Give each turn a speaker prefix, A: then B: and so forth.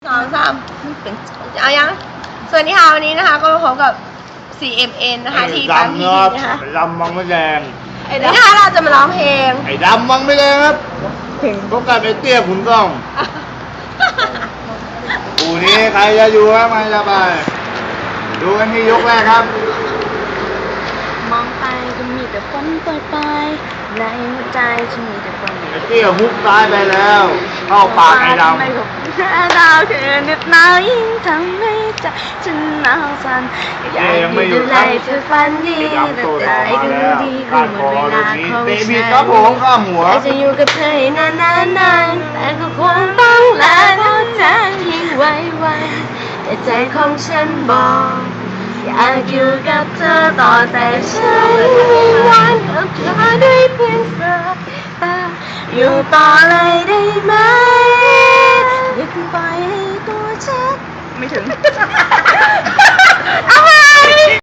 A: 2 3เอายังสวัสดีค่ะวันนี้นะคะก็มาพบกับ CMN นะคะที่ปั๊มพีทีนะคะ
B: ไอ้ดำมังไม่แดง
A: วันนี้นะคะเราจะมาร้องเพลง
B: ไอ้ดำมังไม่แดงครับพบกับไอ้เตี้ยขุนกล้องอูนี้ใครจะอยู่ครับใครจะไปดูกันที่ยกแรกครับ
C: มองไปก็มีแต่ฝนโปรยปลายในหัวใจฉันมีแต่ความ
B: ไอ้เตี้ยฮุกซ้ายไปแล้ว เข้าปากไอ้ดำ
C: ไม่ถูกแค่ดาวเธอเหน็บหนาวยิ่งทำให้ใจฉันหนาวสั่นอยากอยู่ดูแลเธอฝันดี
B: ไอ้ดำ
C: แต่
B: โต
C: ใจ
B: ออกมา
C: ก็
B: แล้
C: รู้
B: ว
C: ดี
B: ก้า
C: ว่าน หม
B: ค
C: ด
B: อ
C: เว
B: ลู
C: ลาก
B: นี้
C: ของ
B: เตะ
C: ฉั
B: บิด
C: น
B: ครับผมข้ามหัว
C: แต่จะอยู่กับเธอให้นานๆแต่ก็คงต้องลาแล้วเธอทิ้งไว้แต่ใจของฉันบอกอยากอยู่กับเธอต่อแต่ฉันไม่หวังกับเธอได้เพียงสายตาอยู่ต่อเลยได้ไหมอย่าเพิ่งปล่อยให้ตัวฉันไม่ถึง